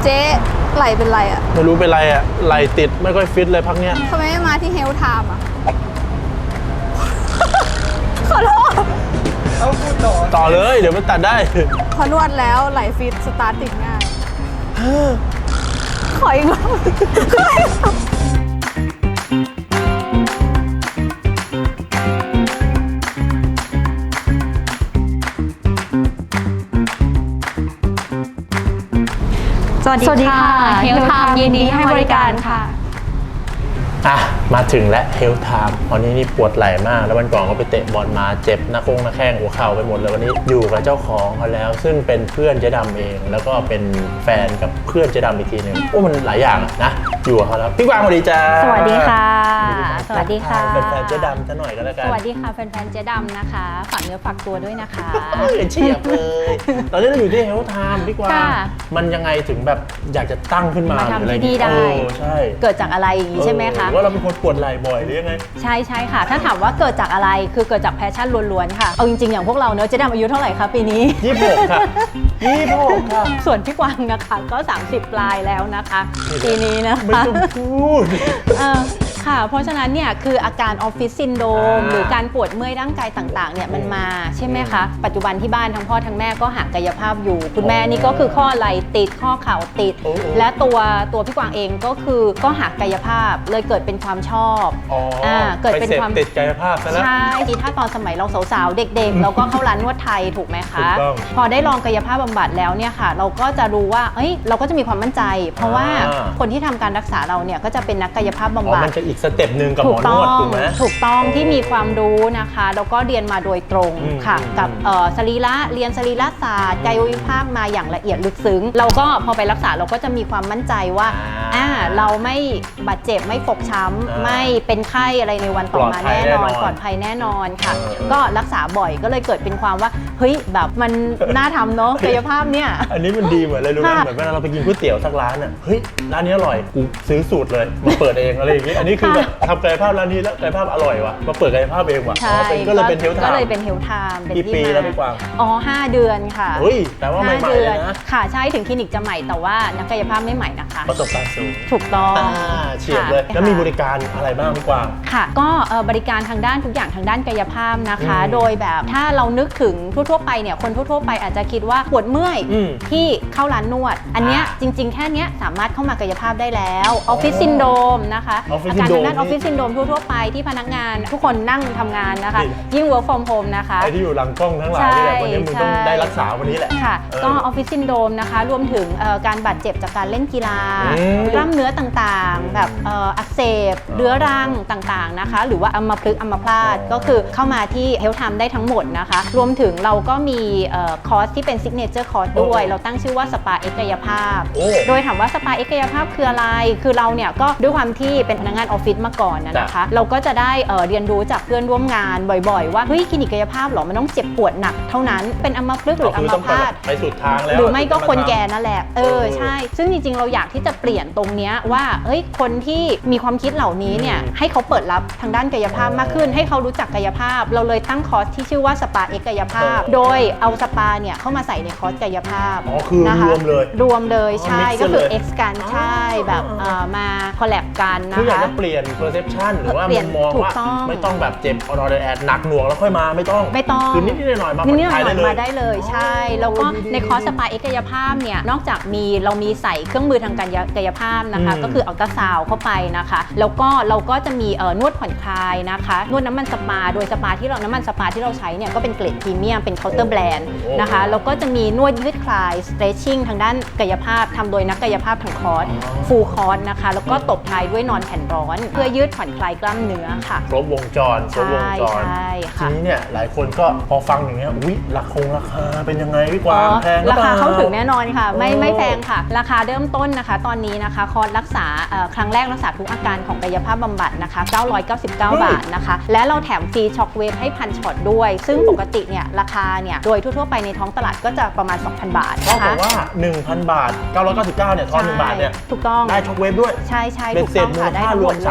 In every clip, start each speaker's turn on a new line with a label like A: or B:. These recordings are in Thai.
A: เจ๊ไหลเป็นไรอ่ะ
B: ไม่รู้เป็นไรอ่ะไหลติดไม่ค่อยฟิตเลยพักเนี้ย
A: ทำไมไม่มาที่เฮลท์ไทม์อ่ะ ขอโทษ
C: เอาพูด
B: ต่อเลยเดี๋ยวมันตัดได้
A: พอนวดแล้วไหลฟิตสตาร์ทติดง่ายขออีกรอบ
D: สวัสดีค่ะเฮลท์ไทม์ยินดีให้บริการค่ะ
B: มาถึงแล้วเฮลท์ไทม์วันนี้นี่ปวดไหล่มากแล้ววันก่อนก็ไปเตะบอลมาเจ็บหน้าแข้งหัวเข่าไปหมดเลยวันนี้อยู่กับเจ้าของเขาแล้วซึ่งเป็นเพื่อนเจ๊ดำเองแล้วก็เป็นแฟนกับเพื่อนเจ๊ดำอีกทีหนึ่งโอ้มันหลายอย่างนะอยู่กับเขาแล้วพี่กวางสวัสดีจ้า
D: สวัสดีค่ะสวัสดีค่ะ
B: เป็นแฟนเจ๊ดำซะหน่อยก็แล้วกัน
D: สวัสดีค่ะแฟนๆเจ๊ดำนะคะฝากเนื้อฝากตัวด้วยนะคะ
B: เฉียบเลยตอนนี้เราอยู่ที่เฮลท์ไทม์พี่กวางมันยังไงถึงแบบอยากจะตั้งขึ้นมา
D: ทำที่นี่ได้
B: ใช่
D: เกิดจากอะไรอย่างนี้ใช่ไหมคะ
B: ว่าเราเป็นคนปวดไหล่บ่อยหรือยังไง
D: ใช่ค่ะถ้าถามว่าเกิดจากอะไรคือเกิดจากแพชชั่นล้วนๆค่ะเอาจริงๆอย่างพวกเราเนอะเจ๊ดำอายุเท่าไหร่คะปีนี้
B: 26ค่ะ26ค่ะ
D: ส่วนพี่กวางนะคะก็30ปลายแล้วนะคะปีนี้นะคะ
B: ไม่ต้องพูด
D: ค่ะเพราะฉะนั้นเนี่ยคืออาการออฟฟิศซินโดรมหรือการปวดเมื่อยร่างกายต่างๆเนี่ยมันมาใช่ไหมคะปัจจุบันที่บ้านทั้งพ่อทั้งแม่ก็หักกายภาพอยู่คุณแม่นี่ก็คือข้อไหล่ติดข้อเข่าติดและตัวพี่กวางเองก็คือก็หักกายภาพเลยเกิดเป็นความชอบ
B: เกิดเป็นความติดกายภาพซะแล้ว
D: ใช่ถ้าตอนสมัยเราสาวๆเด็กๆเราก็เข้าร้านนวดไทยถูกไหมคะพอได้ลองกายภาพบำบัดแล้วเนี่ยค่ะเราก็จะรู้ว่าเราก็จะมีความมั่นใจ เพราะว่าคนที่ทำการรักษาเราเนี่ยก็จะเป็นนักกายภาพบำบัด
B: มันจะอีกสเต็ปหนึ่งกับหมอนวดถูกไหม
D: ถูกต้องที่มีความรู้นะคะแล้วก็เรียนมาโดยตรงค่ะกับเรียนสรีระศาสตร์กายวิภาคมาอย่างละเอียดลึกซึ้งเราก็พอไปรักษาเราก็จะมีความมั่นใจว่าเราไม่บาดเจ็บไม่ฟกช้ำไม่เป็นไข้อะไรในวันต่อมาแน่นอนปลอดภัยแน่นอนค่ะก็รักษาบ่อยก็เลยเกิดเป็นความว่าเฮ้ยแบบมันน่าทำเนาะกายภาพเนี่ย
B: อันนี้มันดีเหมือนอะไรรู้ไหมเหมือนเวลาเราไปกินก๋วยเตี๋ยวสักร้านอ่ะเฮ้ยร้านนี้อร่อยกูซื้อสูตรเลยมาเปิดเองอะไรอย่างงี้อันนี้คือแบบทำกายภาพร้านนี้แล้วกายภาพอร่อยวะมาเปิดกายภาพเองวะก็เลยเป็นเฮลท์ไทม์
D: ก็เลยเป็นเฮลท์ไทม์
B: กี่ปีแล้วพี่กวาง
D: 5 เดือนค่ะ
B: เฮ้ยแต่ว่าใหม่ๆนะ
D: ค่ะใช่ถึงคลินิกจะใหม่แต่ว่านักกายภาพไม่ใหม่นะคะ
B: ประสบการณ์สูง
D: ถูกต้อง
B: เฉียบเลยแล้วมีบริการอะไรบ้างพี่กวาง
D: ค่ะก็บริการทางด้านทุกอย่างทางด้านกายภาพนะคะโดยแบบถ้าเรานึกถึงทั่วๆไปเนี่ยคนทั่วๆไปอาจจะคิดว่าปวดเมื่อยที่เข้าร้านนวดอันเนี้ยจริงๆแค่เนี้ยสามารถเข้ามากายภาพได้แล้วออฟฟิศซินโดรมนะคะอาการทางด้านออฟฟิศซินโดรมทั่วๆไปที่พนักงานทุกคนนั่งทำงานนะคะยิ่ง work from home นะคะ
B: ไอ้ที่อยู่หลังกล้องทั้งหลายเนี่ยวันนี้มึงต้องได้รักษาวันนี้แหละ
D: ค่ะก็ออฟฟิศซินโดรมนะคะรวมถึงการบาดเจ็บจากการเล่นกีฬากล้ามเนื้อต่างๆแบบอักเสบเรื้อรังต่างๆนะคะหรือว่าอัมพฤกษ์อัมพาตก็คือเข้ามาที่เฮลท์ไทม์ได้ทั้งหมดนะคะรวมถึงเราก็มีคอร์สที่เป็นซิกเนเจอร์คอร์สด้วยเราตั้งชื่อว่าสปาเอ็กกายภาพโดยถามว่าสปาเอ็กกายภาพคืออะไรคือเราเนี่ยก็ด้วยความที่เป็นพนักงานออฟฟิศมาก่อนนะคะเราก็จะได้เรียนรู้จากเพื่อนร่วมงานบ่อยๆว่าเฮ้ยคลินิกกายภาพหรอมันต้องเจ็บปวดหนักเท่านั้นเป็นอัมพฤกษ์หรืออัมพาต
B: ไปสุดทางแล้ว
D: หรือไม่ก็คนแก่นั่นแหละใช่ซึ่งจริงๆเราอยากที่จะเปลี่ยนตรงเนี้ยว่าเฮ้ยคนที่มีความคิดเหล่านี้เนี่ยให้เขาเปิดรับทางด้านกายภาพมากขึ้นให้เขารู้จักกายภาพเราเลยตั้งคอร์สที่ชื่อว่าสปาเอ็กกายภาพโดยเอาสปาเนี่ยเข้ามาใส่ในคอร์สกายภาพ
B: คือรวม
D: เลยใช่ก็คือ X กันใช่แบบมาคอลแลบกันนะคะ
B: คืออยากจะเปลี่ยน perception หรือว่ามุมมองว่าไม่ต้องแบบเจ็บออแอดหนักหน่วงแล้วค่อยมาไม่ต้องคือนิดๆหน่อยๆมาผ่อนคลายได้เลย
D: มาได้เลยใช่แล้วก็ในคอร์สสปาเอ็กกายภาพเนี่ยนอกจากเรามีใส่เครื่องมือทางการกายภาพนะคะก็คืออัลตราซาวด์เข้าไปนะคะแล้วก็เราก็จะมีนวดผ่อนคลายนะคะนวดน้ำมันสปาโดยน้ำมันสปาที่เราใช้เนี่ยก็เป็นเกรดพรีเมียมเป็นเคาน์เตอร์แบรนด์นะคะแล้วก็จะมีนวดยืดคลาย stretching ทางด้านกายภาพทำโดยนักกายภาพทางคอร์สฟูลคอร์สนะคะแล้วก็ตบท้ายด้วยนอนแผ่นร้อนเพื่อยืดผ่อนคลายกล้ามเนื้อค่ะ
B: ครบวงจรทีนี้เนี่ยหลายคนก็พอฟังอย่างเงี้ยอุ๊ยราคาเป็นยังไงพี่กวางแพง
D: ราคาเข้าถึงแน่นอนค่ะไม่แพงค่ะราคาเริ่มต้นนะคะตอนนี้นะคะคอร์สรักษาครั้งแรกรักษาทุกอาการของกายภาพบำบัดนะคะ999 บาทนะคะและเราแถมฟรีช็อคเวฟให้1,000 ช็อตด้วยซึ่งปกติเนี่ยราคาเนี่ยโดยทั่วๆไปในท้องตลาดก็จะประมาณ 2,000 บาท
B: นะคะก็บอกว่า 1,000 บาท999เนี่ยทอน1 บาทเนี่ย
D: ถูกต้อง
B: ได้ช็อคเวฟด้วย
D: ใช่ถูกต้องค่ะได้ทั้งหมดเล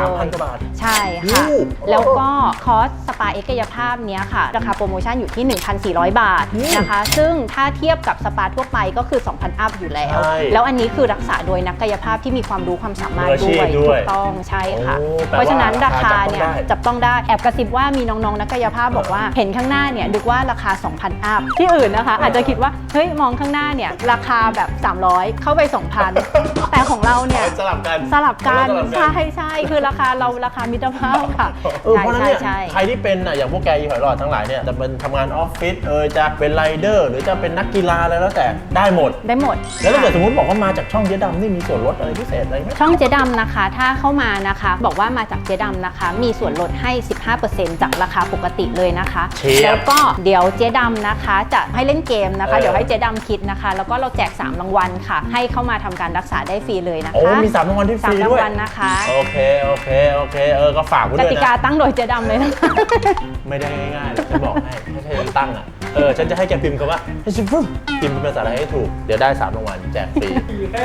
B: 3,000 กว่าบาท
D: ใช่ค่ะ
B: โอ้
D: แล้วก็คอร์สสปาเอ็กซ์กายภาพเนี้ยค่ะ ราคาโปรโมชั่นอยู่ที่ 1,400 บาทนะคะ ซึ่งถ้าเทียบกับสปาทั่วไปก็คือ 2,000 อัพอยู่แล้ว
B: ใช่
D: แล้วอันนี้คือรักษาโดยนักกายภาพที่มีความรู้ความสามารถ
B: มืออาชี
D: ด้
B: พ
D: วย
B: ด้
D: ถู
B: วย
D: กต้องใช่ค่ะ
B: โอ้แปลว่า
D: เพราะฉะนั้นราคา
B: ราคา
D: เนี่ย
B: จับต้องได้
D: จับต้องได้แอบกระซิบว่ามีน้องๆนักกายภาพบอกว่าเห็นข้างหน้าเนี่ยนึกว่าราคา 2,000 อัพที่อื่นนะคะ อาจจะคิดว่าเฮ้ยมองข้างหน้าเนี่ยราคาแบบ 300 เข้าไป 2,000 แต่ของเราเนี่ย
B: สลับกัน
D: สลับกัน
B: สลับ
D: ใช่คือราคาเราราคามิตรภาพค่ะ
B: เพราะฉะนั้นเนี่ย
D: ใช่
B: ใครที่เป็นอย่างพวกแกอีหอยหลอดทั้งหลายเนี่ยจะเป็นทำงานออฟฟิศจะเป็นไรเดอร์หรือจะเป็นนักกีฬาอะไรแล้วแต่ได้หมด
D: ได้หมด
B: แล้วถ้าเกิดสมมติบอกว่ามาจากช่องเจ๊ดำนี่มีส่วนลดอะไรพิเศษอะไรไหม
D: ช่องเจ๊ดำนะคะ ถ้าเข้ามานะคะ บอกว่ามาจากเจ๊ดำนะคะ มีส่วนลดให้ 15% จากราคาปกติเลยนะคะ
B: เชียบ
D: แล้วก็เดี๋ยวเจ๊ดำนะคะ จะให้เล่นเกมนะคะ
B: เออ
D: เดี๋ยวให้เจ๊ดำคิดนะคะ แล้วก็เราแจก3รางวัลค่ะ ให้เข้ามาทำการรักษาได้ฟรีเลยนะคะ
B: โอ้มี3รางวัลที่ฟรี
D: 3 รา
B: ด้
D: ง
B: วย
D: วัลนะคะ
B: โอเคก็ฝากไว้
D: ก
B: ด้วย
D: ติกา
B: นะ
D: ตั้งโดยเจ๊ดำเลยนะคะ
B: ไม่ได้ง่ายๆหรอกฉันบอกให้ถ้าฉันตั้งฉันจะให้แกพิมพ์คำว่าให้ฉันพิมพ์เป็นภาษาไทยให้ถูกเดี๋ยวได้3รางวัลแจกฟรี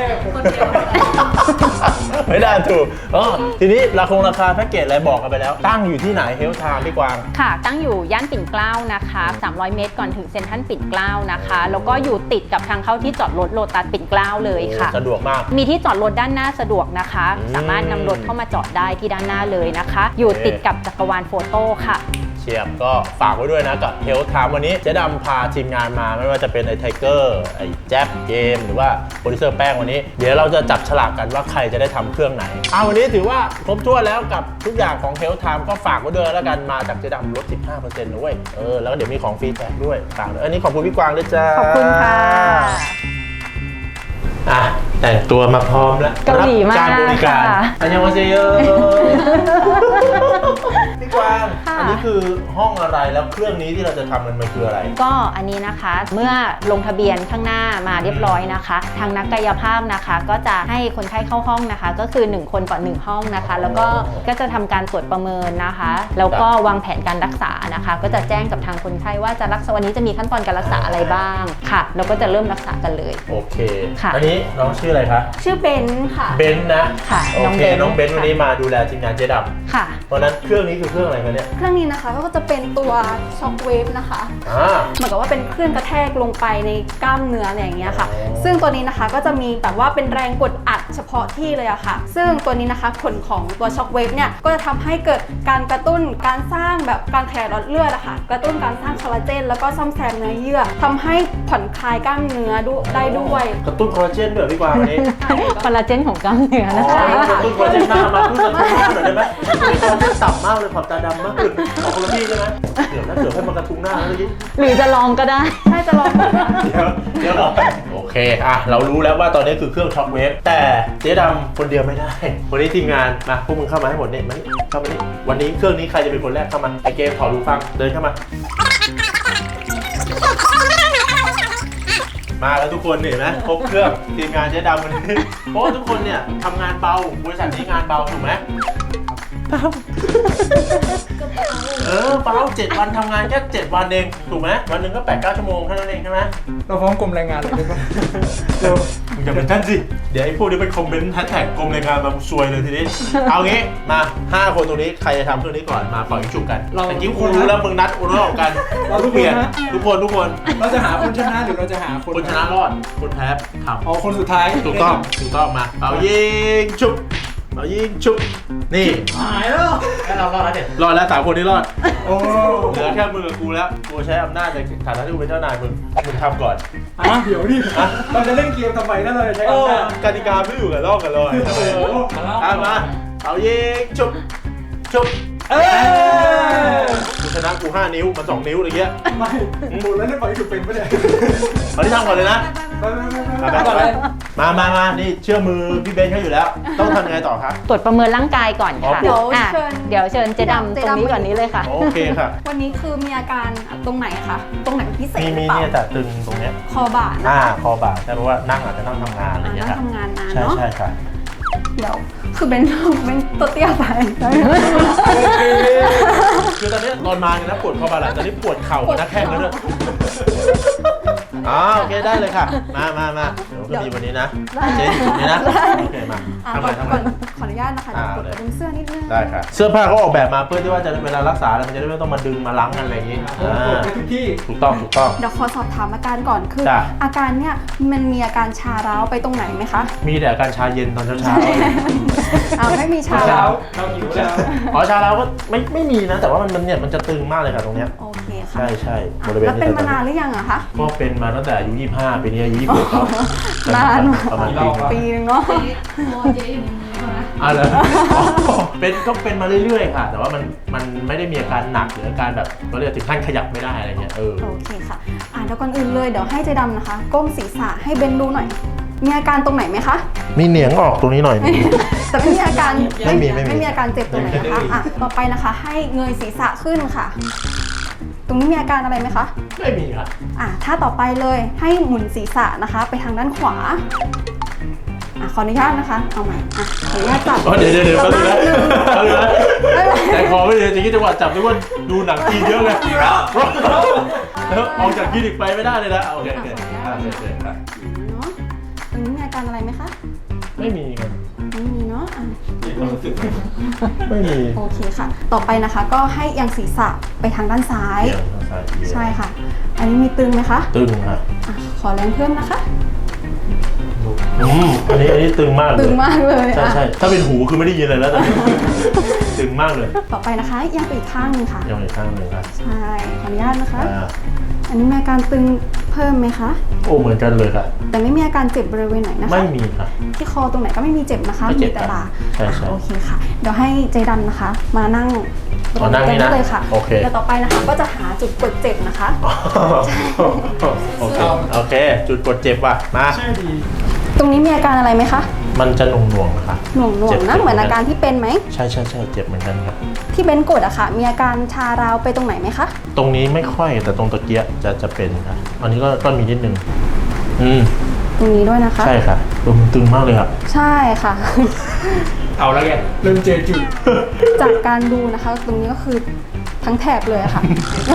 B: ไม่ได้ถูกทีนี้ราคาแพ็กเกจอะไรบอกกันไปแล้ว ตั้งอยู่ที่ไหนเฮลท์ไทม์พี่กวาง
D: ค่ะ ตั้งอยู่ย่านปิ่นเกล้านะคะ300 เมตรก่อนถึงเซ็นทรัลปิ่นเกล้านะคะ แล้วก็อยู่ติดกับทางเข้าที่จอดรถโลตัสปิ่นเกล้าเลยค่ะ
B: สะดวกมาก
D: มีที่จอดรถด้านหน้าสะดวกนะคะ สามารถนำรถเข้ามาจอดได้ที่ด้านหน้าเลยนะคะ อยู่ติดกับจักรวาลโฟโต้ค่ะ
B: เชียบก็ฝากไว้ด้วยนะกับเฮลท์ไทม์วันนี้เจ๊ดำพาทีมงานมาไม่ว่าจะเป็นไอ้ไทเกอร์ไอ้แจ๊บเกมหรือว่าโปรดิวเซอร์แป้งวันนี้ เดี๋ยวเราจะจับฉลากกันว่าใครจะได้ทำเครื่องไหนวันนี้ถือว่าครบถ้วนแล้วกับทุกอย่างของเฮลท์ไทม์ก็ฝากไว้ด้วยแล้วกันมาจากเจ๊ดำลด 15%นะเว้ยแล้วก็เดี๋ยวมีของฟรีแจกด้วยฝากด้วยอันนี้ขอบคุณพี่กวางด้วยจ้า
D: ขอบคุณค่ะ
B: แต่งตัวมาพร้อมแล้ว
D: เกาหลีมาก
B: การบริการ
D: ค่ะ
B: อันยังวาเซโยพี่กวาง
D: ค่ะ
B: อันนี้คือห้องอะไรแล้วเครื่องนี้ที่เราจะทำมันคืออะไร
D: ก็อันนี้นะคะเมื่อลงทะเบียนข้างหน้ามาเรียบร้อยนะคะ ทางนักกายภาพนะคะ ก็จะให้คนไข้เข้าห้องนะคะ ก็คือ1คนต่อ1ห้องนะคะ แล้วก็จะทำการตรวจประเมินนะคะ แล้วก็วางแผนการรักษานะคะ ก็จะแจ้งกับทางคนไข้ว่าจะรักษาวันนี้จะมีขั้นตอนการรักษาอะไรบ้างค่ะแล้วก็จะเริ่มรักษากันเลย
B: โอเค
D: ค่ะ
B: อันนี้น้องชื่ออะไรคะ
A: ชื่อเบนค่ะ
B: เบนซ์นะ
D: ค่ะ
B: โอเค
D: น้
B: น้อ
D: อง ง
B: เบ
D: เบ
B: น
D: นซ์
B: ซ์วันนี้มาดูแลทีมงานเจ๊ด
D: ค่ะ
B: ำเพราะฉะนั้นเครื่องนี้คือเครื่องอะไรคะเนี่ย
A: เครื่องนี้นะคะก็จะเป็นตัวช็อคเวฟนะคะ เหมือนกับว่าเป็นเครื่องกระแทกลงไปในกล้ามเนื้ออะไรอย่างเงี้ยค่ะ
B: อ๋อ
A: ซึ่งตัวนี้นะคะก็จะมีแบบว่าเป็นแรงกดอัดเฉพาะที่เลยอะค่ะ ซึ่งตัวนี้นะคะผลของตัวช็อคเวฟเนี่ยก็จะทำให้เกิดการกระตุ้นการสร้างแบบการขยายหลอดเลือดอะค่ะ กระตุ้นการสร้างคอลลาเจนแล้วก็ซ่อมแซมเนื้อเยื่อทำให้ผ่อนคลายกล้ามเนื้อได้ด้วย
B: กระตุ้นคอลลาเจนด้วยพี่กวางวันนี้
D: คอลลาเจนของกล้ามเนื้อ
B: อ๋
D: นะ
B: อ
D: คะ
B: กระตุ้นคอลลาเจนหน้ามาขึ้นกระตุ้นหน้าหน่อยได้ไหมคอลลาเจนต่ำมากเลยขอบตาดำมากเลยเอาคนละที่ใช่ไหมเดี๋ยวให้มันกระทุ้งหน้าแล้วยิ่ง
D: หรือจะลองก็ได้
A: ใช่จะลองดูนะ
B: เดี๋ยวโอเคเรารู้แล้วว่าตอนนี้คือเครื่องช็อคเวฟแต่เจ๊ดำคนเดียวไม่ได้ วันนี้ทีมงานมาพวกมึงเข้ามาให้หมดเนี่ยมานี่เข้ามานี่วันนี้เครื่องนี้ใครจะเป็นคนแรกเข้ามาไอเกมถอดหูฟังเดินเข้ามา มาแล้วทุกคนเห็นไหมครบเครื่องทีมงานเจ๊ดำวันนี้เพราะว่าทุกคนเนี่ยทำงานเบาบริษัทนี้งานเบาถูกไหมเบาเบา7 วันทำงานแค่7 วันเองถูกไหมวันหนึ่งก็8-9 ชั่วโมงแค่นั้นเองใช่ไหม
C: เราฟ้องกรมแรงงานเลยได้ปะ
B: เร็วมึงอย่าเป็นท่านสิเดี๋ยวไอ้พวกนี้เป็นคอมเมนต์แฮชแท็กกรมแรงงานมาซวยเลยทีนี้ เอางี้มา5 คนตรงนี้ใครจะทำเครื่องนี้ก่อนมาปล่อยฉุกกันแต่กิ้วครูรู้แล้วมึงนัดอุณหภูมิกันเปลี่ยนทุกคน
C: เราจะหาคนชนะหรือเราจะหาคน
B: คนชนะรอดคนแพ้ทำ
C: อ๋อคนสุดท้าย
B: ถูกต้องมาเป่ายิงชุบเป่ายิงชุบนี่
C: หายแล้ว
B: แค่เรารอดแล้วเนี่ยรอดแล้ว3 คนนี้รอด
C: โอ้
B: เหลือแค่มึงกับกูแล้วกูใช้อำนาจในฐานะที่กูเป็นเจ้านายมึงทำก่อน
C: เดี๋ยวดิเราจะเล่นเกมทำไมถ้าเราจะใช้
B: เอ
C: อำ
B: อ
C: นาจ
B: กติกาไม่อยู่กับลอกกันเลยทำไม
C: โอ้โห
B: มาเป่ายิงชุบชุบ
C: เอ้ย
B: กูชนะกู5 นิ้วมัน2 นิ้วอะไรเงี้ย
C: ไม่หมดแล้วได้ปล่อยถูกเป็นปะเนี่ย
B: มาที่ทำก่อนเลยนะ
C: ไป
B: ไปมานี่เชื่อมือพี่เบนเขาอยู่แล้ว ต้องทำยังไงต่อครับ
D: ตรวจประเมินร่างกายก่อนค่ะ
A: เดี๋ยว
D: อ่ะ
A: เชิญ
D: เดี๋ยวเชิญเจ๊ดำตรงนี้ก่อนนี้เลยค่ะ
B: โอเคค่ะ
A: วันนี้คือมีอาการตรงไหนคะตรงไหนพิเศษหรือ
B: มี
A: เปล่า
B: เนี่ยแต่ตึงตรงเนี้ย
A: คอบ่านะ
B: คอบ่าใช่เพราะว่านั่งอาจจะนั่งทำงานอะไรอย่างเงี้ย
A: นั่
B: ค
A: ง
B: รับ
A: ทำงานนาน
B: ใช่
A: เนาะ
B: ใช่ค่ะ
A: เดี๋ยวคือเป็นตัวเตี้ยไป
B: คือตอนนี้ตอนมาเนี่ยนะปวดคอบ่าหลังตอนนี้ปวดเข่ากับหน้าแข้งแล้วด้วยโอเคได้เลยค่ะ มาเดี๋ยวก็มีวันนี้นะ
A: ได้
B: เจ๊ตรงนี้นะ
A: ได้
B: โอเคมา
A: อ่ะ
B: ทำ
A: ก่
B: ไม
A: อน
B: ทำไม
A: ก่อนขออนุญาตนะคะเดี๋ยวกด
B: เลย
A: ดึงเสื้อนิดนึง
B: ได้ค่ะเสื้อผ้าเขาออกแบบมาเพื่อที่ว่าจะเวลารักษาแล้วมันจะได้ไม่ต้องมาดึงมาล้างกันอะไรอย่างงี้
C: กดไปทุกที่
B: ถูกต้อง
A: เดี๋ยวขอสอบถามอาการก่อนคือ
B: จ้ะ
A: อาการเนี่ยมันมีอาการชาร้าวไปตรงไหนไหมคะ
B: มีแต่อาการชาเย็นตอนเช้า
A: ไม่มีชา
C: เช้า
A: ร้าว
C: เราหิวแล้ว
B: ๆอ๋อชาแล้วก็ไม่มีนะ แต่ว่ามันเนี่ยมันจะตึงมากเลยค่ะตรงเนี้ย
A: โอเคค่ะ
B: ใช่
A: อ่ะ
B: บริเวณ
A: แล้ว
B: นี้
A: เป็นมานานหรือยังอะคะ
B: ก็เป็นมาตั้งแต่อายุ25ปีนี้อายุ26แล้ว
A: นานมาก
B: ประมาณ
A: ปีนึงเนาะ
B: อะไรก็เป็นมาเรื่อยๆค่ะ แต่ว่ามันไม่ได้มีอาการหนักหรืออาการแบบก็เรียกถึงขั้นขยับไม่ได้อะไรเงี้ย
A: โอเคค่ะเดี๋ยวก่อนอื่นเลยเดี๋ยวให้เจดำนะคะ ก้มศีรษะให้เบนดูหน่อย มีอาการตรงไหนไหมคะ
B: มีเหนียงออกตรงนี้หน่อย
A: แต่ไม่มีอาการ
B: ไม่มี
A: ไม่มีอาการเจ็บตรงไหนนะคะต่อไปนะคะ ให้เงยศีรษะขึ้นค่ะ ตรงนี้มีอาการอะไรไหมคะ
B: ไม่มีค่ะ
A: ถ้าต่อไปเลยให้หมุนศีรษะนะคะ ไปทางด้านขวาขออนุญาตนะคะ เอาใหม่ขออนุญาตจับ
B: เดี๋ยวแป๊บนึงนะ
A: ไม่เป็นไร
B: แต่คอไม่ดีจริงๆจังหวะจับทุกคนดูหนังจีนเยอะเลยแล้วออกจากคลินิกไปไม่ได้เลยนะโอเคครับ
A: เนาะตรงนี้มีอาการอะไรไหมคะ
B: ไม่มีครับ
A: ไม่มีเนาะ
B: ไม่มี
A: โอเคค่ะ ต่อไปนะคะก็ให้เอียงศีรษะไปทางด้านซ้าย ใช่ค่ะ อันนี้มีตึงไหมคะ
B: ตึงค่ะ
A: ขอแรงเพิ่มนะคะ
B: อันนี้ตึงมากเลย
A: ตึงมากเลย
B: ใช่ถ้าเป็นหูคือไม่ได้ยินเลยแล้วแต่ตึงมากเลย
A: ต่อไปนะคะเอียงไปอีกข้างหนึงค่ะ
B: ยังอีกข้างหนึ่งครับ
A: ใช่ ขออนุญาตนะคะ อันนี้มีอาการตึงเพิ่มไหมคะ
B: โอ้เหมือนกันเลยค่ะ
A: แต่ไม่มีอาการเจ็บบริเวณไหนนะคะ
B: ไม่มีค่ะ
A: ที่คอตรงไหนก็ไม่มีเจ็บนะคะ
B: ไม่เจ็บ
A: มีแต่บ่า
B: ใช่
A: โอเคค่ะ เดี๋ยวให้เจดำนะคะ มานั่ง
B: นั่งนี่นะ
A: เลยค่ะ
B: โอเค
A: เดี๋ยวต่อไปนะคะก็จะหาจุดกดเจ็บนะคะ
B: โอเค จุดกดเจ็บว่ะมา
C: ชื่อดี
A: ตรงนี้มีอาการอะไรไหมคะ
B: มันจะหน่วงๆนะคะ
A: หน่วง
B: เจ็บ
A: ๆนะ เหมือนอาการที่เป็นไหม
B: ใช่เจ็บเหมือนกันครับ
A: ที่เบนกดอะค่ะ มีอาการชาราวไปตรงไหนไหมคะ
B: ตรงนี้ไม่ค่อยแต่ตรงตะเกียะจะเป็นค่ะ อันนี้ก็มีนิดนึง
A: ตรงนี้ด้วยนะคะ
B: ใช่ค่ะตึงมากเลยครับ
A: ใช่ค่ะ
C: เอาแล้วไงเริ่มเจอจุด
A: จากการดูนะคะ ตรงนี้ก็คือทั้งแถบเลยอะค่ะ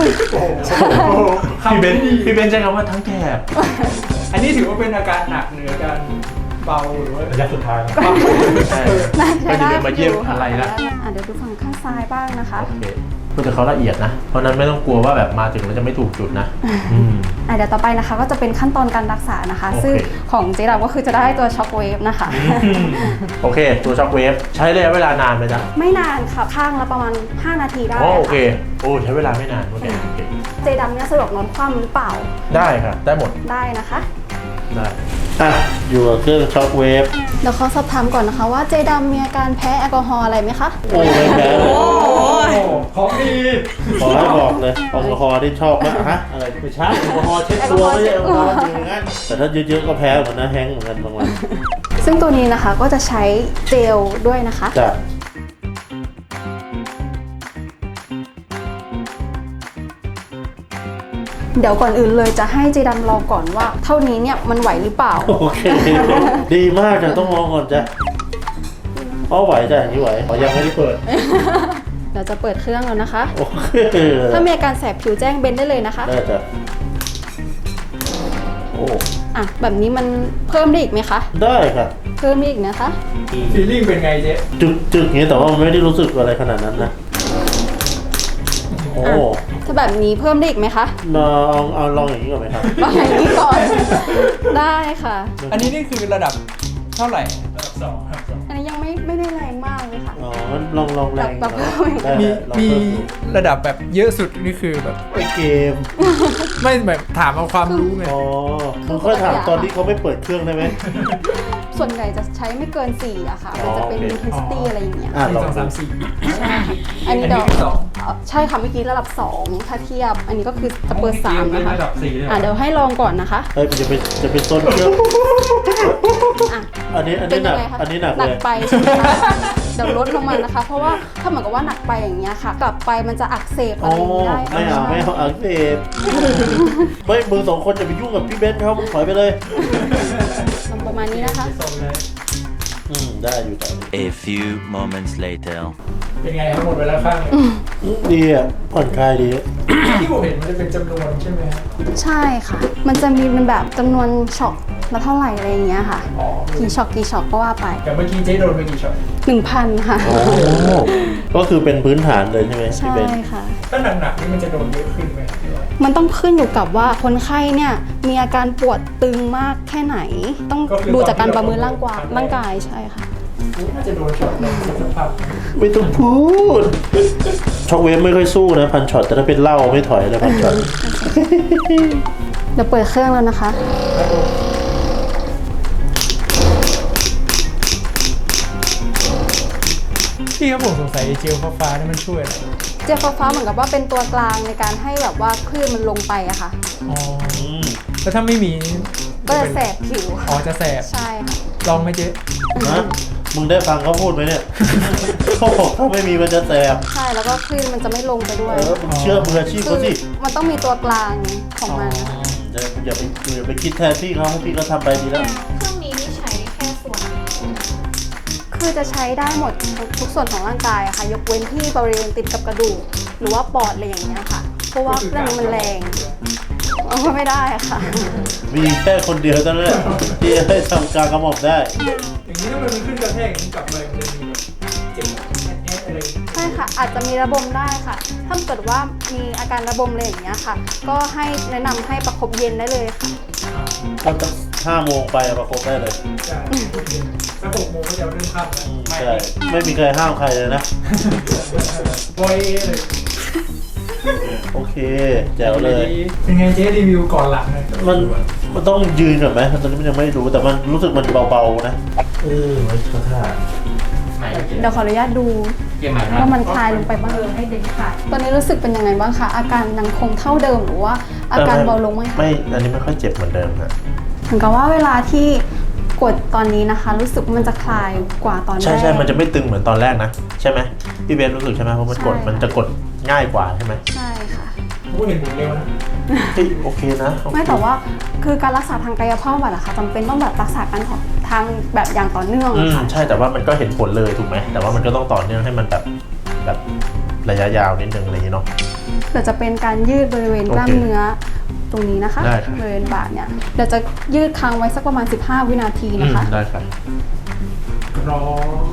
B: พี่เบนใช้คำว่าทั้งแถบ
C: อันนี้ถือว่าเป็นอาการหนักหรืออาการเบาหรือว่า
B: ระยะสุดท้าย ใช่
A: น่า
B: ก็
A: ใช้
B: จะ
A: ได้
B: เดินมาเยี่ยมอะไรนะ
A: เดี๋ยวดูฝั่งข้างซ้ายบ้างนะคะ
B: โอเคก็จะเขาละเอียดนะ เพราะนั้นไม่ต้องกลัวว่าแบบมาถึงแล้วจะไม่ถูกจุดนะม
A: เดี๋ยวต่อไปนะคะก็จะเป็นขั้นตอนการรักษานะคะ
B: โอเค
A: ซึ่งของเจดาก็คือจะได้ตัวช็อคเวฟนะคะ
B: โอเค ตัวช็อคเวฟใช้ระยะเวลานานไหมจ๊ะ
A: ไม่นานค่ะข้างละประมาณ 5 นาทีได้
B: โอเค
A: ค่ะ
B: โอ้ใช้เวลาไม่นานโอเค
A: เจดำเนี่ยสะดวกนอนคว่ำหรือเปล่า
B: ได้ค่ะได้หมด
A: ได้นะคะ
B: ได้อยู่กับเครื่องช็อคเวฟ
A: เดี๋ยวขอสอบถามก่อนนะคะว่าเจดำมีอาการแพ้แอลกอฮอล์อะไรไหมคะ
B: โอ้ไม่แพ้เลย
C: ของดี
B: ขอให้บอกเลยแอลกอฮอล์ที่ชอบมากฮะอะไรไม่ใช่แอลกอฮอล์เช็ดตัวไม่ใช่แอลกอฮอล์จริงงั้นแต่ถ้าเยอะๆก็แพ้เหมือนนะแฮงก์เหมือนกันบางวัน
A: ซึ่งตัวนี้นะคะก็จะใช้เจลด้วยนะคะ
B: จ้ะ
A: เดี๋ยวก่อนอื่นเลยจะให้เจดำลองก่อนว่าเท่านี้เนี่ยมันไหวหรือเปล่า
B: โอเค ดีมากจ้ะต้องลองก่อนจ้ะเพราะไหวจ้ะอย่างนี้ไหวยังไม่ได้เปิด
A: เดี๋ยวจะเปิดเครื่องแล้วนะคะ
B: โอเค
A: ถ้ามีอาการแสบผิวแจ้งเบนได้เลยนะคะ
B: ได้จ้ะโอ้
A: แบบนี้มันเพิ่มได้อีกไหมคะ
B: ได้ค่ะ
A: เพิ่มได้อีกนะคะ
C: ฟีลลิ่งเป็นไงเจ๊
B: จึกๆอย่างนี้แต่ว่ามันไม่ได้รู้สึกอะไรขนาดนั้นนะโอ้
A: ถ้าแบบนี้เพิ่มได้อีกไหมคะ
B: เอาลองอย่างนี้ก่อนไหมครับ
A: ลองอย่างนี้ก่อน ได้ค่ะ
C: อันนี้นี่คือระดับเท่าไหร่ระดับ2ครับ
A: อันนี้ยังไม่ได้แรงมากเลยค่ะ
B: อ๋องั้นลองแรง
A: แบบ
B: ได้
C: มี
B: ลอง
C: มี
B: เพิ่มดู
C: ระดับแบบเยอะสุดนี่คือแบบ
B: ไอเกม
C: ไม่แบบถามเอาความรู้ไง
B: อ๋อมึงค่อยถามตอนที่เขาไม่เปิดเครื่องได้ไหม
A: ส่วนใหญ่จะใช้ไม่เกิน4อะค่ะ มันจะเป็น
B: โอเค
A: intensity อะไรอย่างเงี้ย
C: 1
B: ลอง
C: 2
B: ดู
C: 3 4
A: อันนี้
C: อันนี้
A: เดี๋ยว
C: คือสอง
A: ใช่ค่ะเมื่อกี้ระดับ 2 ถ้าเทียบ อันนี้ก็คือจะเปิด3นะคะ
C: ระดับ4เลย
A: เดี๋ยวให้ลองก่อนนะคะ
B: เฮ้ยมันจะไปต้นเครื่อง
A: อ่ะ
B: อันนี้
A: เป็น
B: หนั
A: ยั
B: ก
A: งไงคะ
B: อันนี้หนัก
A: หนั
B: เล
A: ก
B: ย
A: ไปใช่ไหมคะเดี๋ยวลดลงมานะคะ เพราะว่าถ้าเหมือนกับว่าหนักไปอย่างเงี้ยค่ะ กลับไปมันจะอักเสบอะ
B: อ๋อ
A: ไรอย่างงี้ได้
B: ไม่เอาอักเสบไม่มึงสองคนจะไปยุ่งกับพี่เบนเขามึงถอยไปเลย
A: ประมาณนี้นะคะ
C: ส่งเลย
E: ได้อยู่ตอนนี้
F: A few moments later.
C: เป็นไงครับหมดไปแล้วข้างหนึ่ง
E: ดีอ่ะผ่อนคลายดี
C: ที่ผมเห็นมันจะเป็นจำนวนใช่ไหมครับ
A: ใช่ค่ะ มันจะมีเป็นแบบจำนวนช็อตละเท่าไหร่อะไรอย่างเงี้ยค่ะ
C: อ๋อ
A: กี่ช็อตก็ว่าไป
C: แต่เมื่อกี้เจ๊โดนไปกี่ช็อต
A: 1,000 ค่ะ
E: โอ้ก็คือเป็นพื้นฐานเลยใช่ไหมพี่
A: ใช่
E: เบน
A: ค่ะ
C: ถ้าหนักๆนี่มันจะโดนเยอะขึ้นไหมหรือว่า
A: มันต้องขึ้นอยู่กับว่าคนไข้เนี่ยมีอาการปวดตึงมากแค่ไหน ต้องดูจากการประเมินร่างกายใช่ค่ะ
C: น่าจะโดนช็อตในสภาพ
E: ไม่ต้องพูด ช็อกเวฟไม่ค่อยสู้นะพันช็อตแต่ถ้าเป็นเหล้าไม่ถอยเลยพันช็อต
A: เดี๋ยวเปิดเครื่องแล้วนะคะ
C: พี่ครับผมสงสัยเจลฟ้าๆนี่มันช่วยอะไร
A: เจลฟ้าๆเหมือนกับว่าเป็นตัวกลางในการให้แบบว่าคลื่นมันลงไปอะค่ะ
C: อ๋อแล้วถ้าไม่มี
A: ก็จะแสบผิว
C: อ๋อจะแสบ
A: ใช่ค่ะ
C: ลองไหมเจ๊
E: นะมึงได้ฟังเขาพูดไหมเนี่ย เขาบอกถ้าไม่มีมันจะแสบ
A: ใช่แล้วก็คลื่นมันจะไม่ลงไปด้วย
E: มึงเชื่อมืออาชีพ
A: คื
E: เขาสิ
A: มันต้องมีตัวกลางของมันนะคะ
E: อย่าไปคิดแทนพี่เขาให้พี่เขาทำไปดีแล้ว
G: เครื่องนี้นี่ใช้แค่ส่วนไหน
A: คือจะใช้ได้หมดทุกส่วนของร่างกายอะค่ะ ยกเว้นที่บริเวณติดกับกระดูกหรือว่าปอดอะไรอย่างเงี้ยค่ะ เพราะว่าเครื่องนี้มันแรงเอาไม่ได้ค่ะ
E: มีแค่คนเดียวเท่านั้นแหละที่จะให้ทำการกระหม่อมได้
C: อย่างนี้ถ้ามันขึ้นกระแทกอย่างนี้กลับไปมันจะมีแบบเจ็บแอะๆอะไร
A: ใช่ค่ะ อาจจะมีระบมได้ค่ะ ถ้าเกิดว่ามีอาการระบมอะไรอย่างเงี้ยค่ะ ก็ให้แนะนำให้ประคบเย็นได้เลยค่ะ
E: ก็ตั้ง5 โมงไปประคบได้เลย
C: ใช่สัก6 โมงก็จะเริ่มค่ำแล้วไม่
E: ใช่ไม่มีใครห้ามใครเลยนะ
C: บอยเลย
E: โอเคแจ๋วเลย
C: เป็นไงเจ๊รีวิวก่อนหลังเลย
E: มันต้องยืนก่อนไหมตอนนี้มันยังไม่รู้แต่มันรู้สึกมันเบาๆนะมันเขาท่า
A: เดี๋ยวขออนุญาตดูว่ามันคลายลงไปบ้างให้เด็กค่ะ ตอนนี้รู้สึกเป็นยังไงบ้างคะ อาการยังคงเท่าเดิมหรือว่าอาการเบาลงไหมคะ
E: ไม่อันนี้ไม่ค่อยเจ็บเหมือนเดิมครับ
A: เหมือนกับว่าเวลาที่กดตอนนี้นะคะ รู้สึกว่ามันจะคลายกว่าตอนแรก
E: ใช่มันจะไม่ตึงเหมือนตอนแรกนะใช่ไหมพี่เบนรู้สึกใช่ไหมเพราะมันกด
A: ใช่
E: มันจะกดง่ายกว่าใช่ไหม
A: ใช่ค่ะ
C: ผมเห็นผมเร็วนะ
E: เฮ้ยโอเคนะโอเค
A: ไม่แต่ว่าคือการรักษาทางกายภาพบำบัดอะค่ะจำเป็นต้องแบบรักษาการทางแบบอย่างต่อเนื่องอะค่ะ
E: ใช่แต่ว่ามันก็เห็นผลเลยถูกไหมแต่ว่ามันก็ต้องต่อเนื่องให้มันแบบระยะยาวนิดนึงอะไรอย่างนี้เนาะ
A: เดี๋ยวจะเป็นการยืดบริเวณกล้ามเนื้อตรงนี้นะคะ
E: ได้ครับ
A: บริเวณบ่าเนี่ยเดี๋ยวจะยืดค้างไว้สักประมาณ 15 วินาทีนะคะ
E: ได้ครับ
C: รอ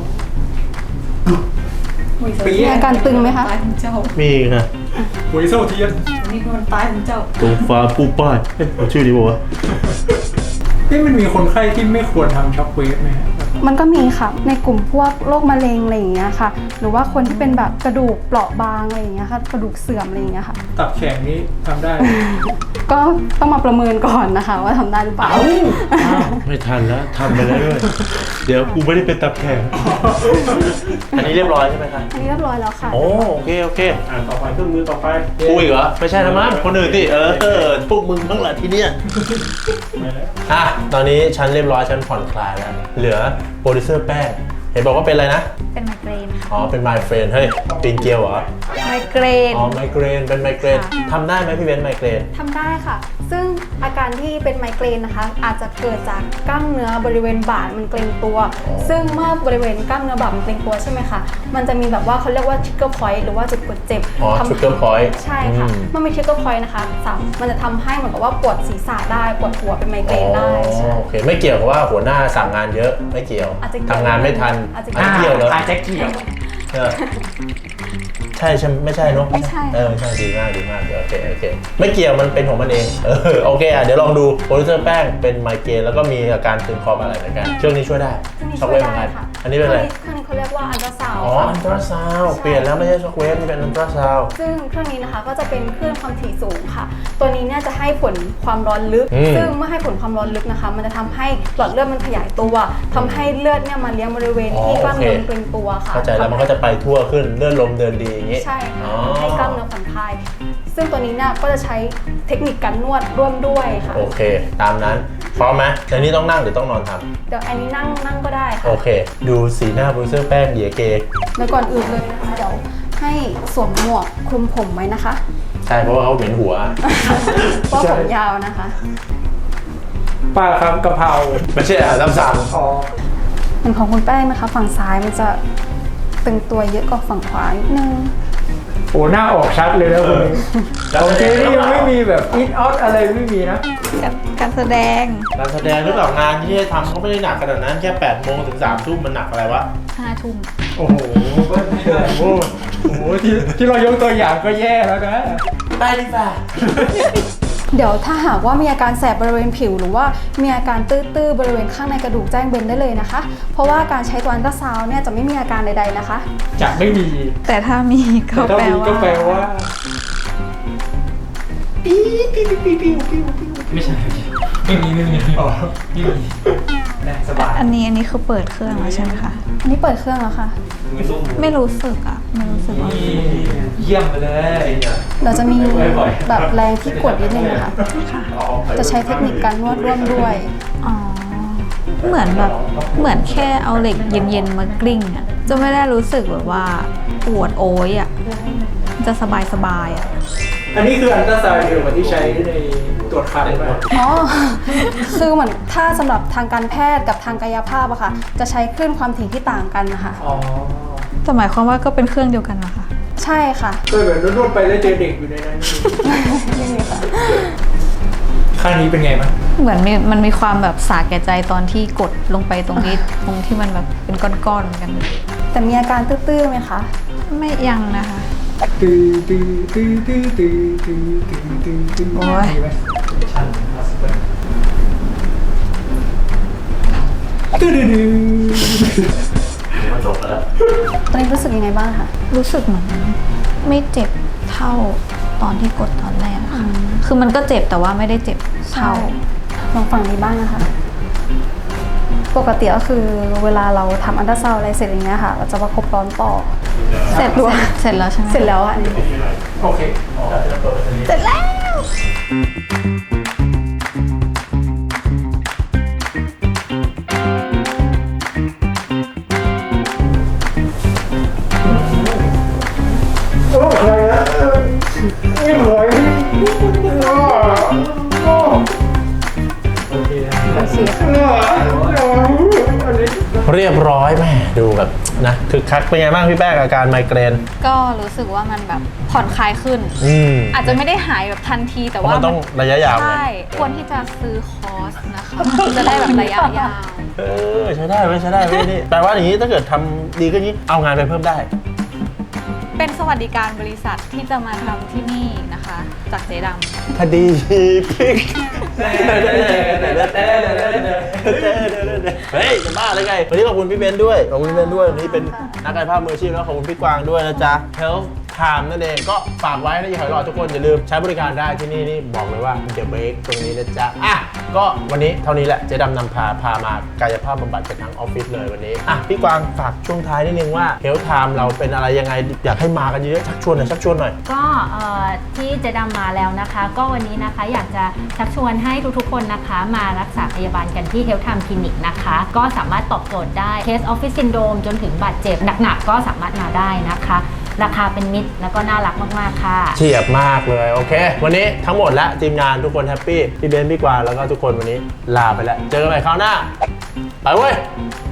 A: มีอาการตึงไหมคะ
G: ตายของเจ้า
E: มีค่ะ
C: หวยโซ่เทียน
G: นี่คือมันตายของเจ้า
E: ตรงฟ้าปูป้ายเอ๊ะเอาชื่อนี้บอกว่า
C: นี่มันมีคนไข้ที่ไม่ควรทำช็อคเวฟไหมฮะ
A: มันก็มีค่ะในกลุ่มพวกโรคมะเร็งอะไรอย่างเงี้ยค่ะ หรือว่าคนที่เป็นแบบกระดูกเปราะบางอะไรอย่างเงี้ยค่ะกระดูกเสื่อมอะไรอย่างเงี้ยค่ะ
C: ตับแข็งนี้ทำได้ไหม
A: ก็ต้องมาประเมินก่อนนะคะ ว่าทำได้หรือเปล่า
E: ไม่ทันแล้วทำไปแล้วด้วย เดี๋ยวกูไม่ได้เป็นตับแข็งอันนี้เรียบร้อยใช่ไหมครับ
A: อันนี้เรียบร้อยแล้วค่ะ
E: โอเคต่อไปเครื่องมือต่อไป
C: เย้
E: กูอีกเหรอไม่ใช่นะมั้งคนอื่นดิพวกมึงบ้างแหละทีเนี้ย
B: อ่ะตอนนี้ฉันเรียบร้อยฉันผ่อนคลายแล้ว เหลือโปรดิวเซอร์แป้งเห็นบอกว่าเป็นอะไรนะ
G: เป็นไมเกรนค่ะ
B: อ๋อเป็นไมเกรนเฮ้ยปีนเกลียวเหรอ
G: ไมเกรน
B: อ๋อไมเกรนเป็นไมเกรน
G: ค่ะ
B: ทำได้ไหมพี่เบนซ์ไมเกรน
A: ทำได้ค่ะ ซึ่งอาการที่เป็นไมเกรนนะคะ อาจจะเกิดจากกล้ามเนื้อบริเวณบ่ามันเกร็งตัว ซึ่งเมื่อบริเวณกล้ามเนื้อบ่ามันเกร็งตัวใช่ไหมคะ มันจะมีแบบว่าเขาเรียกว่า trigger point หรือว่าจุดกดเจ็บ
B: อ๋อ
A: ทำ
B: trigger point
A: ใช่ค่ะ เมื่อมี trigger point นะคะมันจะทำให้เหมือนกับว่าปวดศีรษะได้ ปวดหัวเป็นไมเกรนได้ใช่
B: โอเคไม่เกี่ยวกับว่าหัวหน้าสั่งงานเยอะไม่เกี่ยว
A: อาจจะเกี่ยว
B: ทำงานไม่ทัน
A: อาจจะ
B: เกี่ยวเหรอ
C: อาจจะเกี่ยว
B: เออใช่ไม่ใช่เนอะ
A: ไม่ใช่
B: ไม่ใช่ดีมากโอเคไม่เกี่ยวมันเป็นของมันเองโอเคเดี๋ยวลองดูโปรดิวเซอร์แป้งเป็นไมเกรนแล้วก็มีอาการตึงคออะไรเหมือนกันช่วงนี้ช่วยได้
A: เครื่องนี้
B: ช็อ
A: ช่
B: ก
A: วย
B: เวฟเหมือนกัน
A: ได้ค่ะ
B: อันนี้เป็นอะไร
A: เครื่องนี้เขาเรียกว่าอัลตราซาวด์
B: อ๋อ
A: ค่ะ
B: อันตราซาวด์เปลี่ยนแล้วไม่ใช่ช็อคเวฟนี่เป็นอันตราซาวด์
A: ซึ่งเครื่องนี้นะคะก็จะเป็นคลื่นความถี่สูงค่ะ ตัวนี้เนี่ยจะให้ผลความร้อนลึก ซึ่งเมื่อให้ผลความร้อนลึกนะคะ มันจะทำให้หลอดเลือดมันขยายตัวทำให้เลือดเนี่ยมาเลี้ยงบริเวณที่กล้ามเนื้อมันเกร็งตัวค่ะ
B: เข้าใจแล้วมันก็จะไปทั่วขึ้นเลื่อนลมเดินดีอย่างนี้
A: ใช่ค่ะ
B: อ๋อ
A: ให้กล้ามเนื้อผ่อนคลาย ซึ่งตัวนี้เนี่ยก็จะใช้เทคนิคการนวดร่วมด้วยค่ะ
B: โอเค ตามนั้นพร้อมไหมแต่นี่ต้องนั่งหรือต้องนอนทำ
A: เดี๋ยวอันนี้นั่งก็ได้ค่ะ
B: โอเค ดูสีหน้าโปรดิวเซอร์แป้งเหยียเก
A: แล้วก่อนอื่นเลยนะคะเดี๋ยวให้สวมหมวกคลุมผมไว้นะคะ
B: ใช่เพราะว่าเขาเหม็นหัว
A: เพราะผมยาวนะคะ
C: ป้าครับกะเพรา
B: ไม่ใช่อาหารตามสั่ง
C: อ๋อ
A: เหมือนของคุณแป้งนะคะ ฝั่งซ้ายมันจะตึงตัวเยอะกว่าฝั่งขวานิดนึง
C: โอ้หน้าออกชัดเลยนะคุณโอเคนี่ยังไม่มีแบบอินออตอะไรไม่มีนะ
G: การแสดง
B: การแสดงหรือเปล่างานที่ให้ทำก็ไม่ได้หนักขนาดนั้นแค่8 โมงถึง 3 ทุ่มมันหนักอะไรวะ
G: 5 ทุ่ม
C: โอ้โหโอ้โหที่เรายกตัวอย่างก็แย่แล้วนะ
B: ไปดีกว่า
A: เดี๋ยวถ้าหากว่ามีอาการแสบบริเวณผิว หรือว่ามีอาการตื้อๆบริเวณข้างในกระดูกแจ้งเบนได้เลยนะคะ เพราะว่าการใช้ตัวอัลตราซาวน์เนี่ยจะไม่มีอาการใดๆนะคะ
C: จะไม่มี
G: แต่ถ้ามีก็
C: แต่ถ้ามีก็แปลว่า
H: ไม่ใช่ไม่มี
C: อ๋อ
H: อ๋อไม่มี
C: ได้สบาย
G: อันนี้คือเปิดเครื่องแล้วใช่ไหมคะ
A: อันนี้เปิดเครื่องแล้วค่ะ
G: ไม่รู้สึกอ่ะ ไม่รู้สึกว่า
C: เยี่ยมไปเลย
A: เราจะมีแบบแรงที่กดนิดนึงนะคะ จะใช้เทคนิคการนวดร่วมด้วย
G: อ๋อ เหมือนแค่เอาเหล็กเย็นๆมากลิ้งอ่ะ จะไม่ได้รู้สึกแบบว่าปวดโอยอ่ะ จะสบายๆอ่ะ
C: อันนี้คืออันตราซาวด์เดียวกับที่ใช้ในตรวจคันไหม
A: อ๋อ คือเหมือนถ้าสำหรับทางการแพทย์กับทางกายภาพอะค่ะ จะใช้คลื่นความถี่ที่ต่างกันนะคะ
C: อ๋อ
G: แต่หมายความว่าก็เป็นเครื่องเดียวกันเหรอคะ
A: ใช่ค่ะ
C: เคยแบบนวดๆไปแล้วเจอเด็กอยู่ในนั้น
A: นี่มีค่ะ
C: ข้างนี้เป็นไงบ้าง
G: เหมือนมันมีความแบบสาแก่ใจตอนที่กดลงไปตรงนี้ ตรงที่มันแบบเป็นก้อนๆเหมือนกัน
A: แต่มีอาการตื้อๆไหมคะ
G: ไม่ยังนะคะ
C: ตื้อตื้อตื้อตื้อตื้อตื้อตื้อตื้อตื้อ
G: โอ้ย
C: มีไหมตื้อตื้อ
B: มันจบแล้ว
A: ตอนนี้รู้สึกยังไงบ้างคะ
G: รู้สึกเหมือนไม่เจ็บเท่าตอนที่กดตอนแรกอะค่ะ คือมันก็เจ็บแต่ว่าไม่ได้เจ็บเท่า
A: ลองฟังนี้บ้างนะคะ ปกติก็คือเวลาเราทำอัลตราซาวด์อะไรเสร็จอย่างเงี้ยค่ะ เราจะประคบร้อนต่อ
G: เสร็จแล้วใช่ไหม
A: เสร็จแล้วอ่ะ
C: โอเค
G: เสร็จแล้ว
C: โอ้ใครอะไม่ไหวโอเค
A: โอเคค่ะ
C: อันนี้
B: เรียบร้อยแม่ดูแบบนะคือคักเป็นไงบ้างพี่แป้งอาการไมเกรน
G: ก็รู้สึกว่ามันแบบผ่อนคลายขึ้น อาจจะไม่ได้หายแบบทันทีแต่
B: เพราะ
G: ว่า
B: มันต้องระยะยาวไง
G: ใช่ควรที่จะซื้อคอร์สนะคะ จะได้แบบระยะยาว
B: ใช้ได้ไหมใช้ได้ไหมนี่แปลว่าอย่างนี้ถ้าเกิดทำดีขึ้นนี้เอางานไปเพิ่มได้
G: เป็นสวัสดิการบริษัทที่จะมาทำที่นี่นะคะ จากเจ๊ดำ
B: คดีพลิกเฮ้ยจะบ้าเลยไงวันนี้ขอบคุณพี่เบนซ์ด้วยขอบคุณพี่เบนซ์ด้วยวันนี้เป็นนักกายภาพมืออาชีพแล้วขอบคุณพี่กวางด้วยนะจ๊ะ Health Time นั่นเองก็ฝากไว้นะอย่าหอยหลอดทุกคนอย่าลืมใช้บริการได้ที่นี่นี่บอกเลยว่าเดี๋ยวเบรกตรงนี้นะจ๊ะอ่ะก็วันนี้เท่านี้แหละเจ๊ดำนำพามากายภาพบำบัดกันทั้งออฟฟิศเลยวันนี้อ่ะพี่กวางฝากช่วงท้ายนิดนึงว่า Health Time เราเป็นอะไรยังไงอยากให้มากันเยอะๆชักชวนหน่อย
D: ก็ที่เจดำมาแล้วนะคะ ก็วันนี้นะคะอยากจะชักชวนให้ทุกๆคนนะคะมารักษาพยาบาลกันที่ Health Time Clinic นะคะ ก็สามารถตอบโจทย์ได้ Case Office Syndrome จนถึงบาดเจ็บหนักๆก็สามารถมาได้นะคะ ราคาเป็นมิตรแล้วก็น่ารักมากๆค่ะ
B: เฉียบมากเลยโอเค วันนี้ทั้งหมดและทีมงานทุกคนแฮปปี้พี่เบนซ์พี่กวางแล้วก็ทุกคนวันนี้ลาไปแล้วเจอกันใหม่คราวหน้าไปเว้ย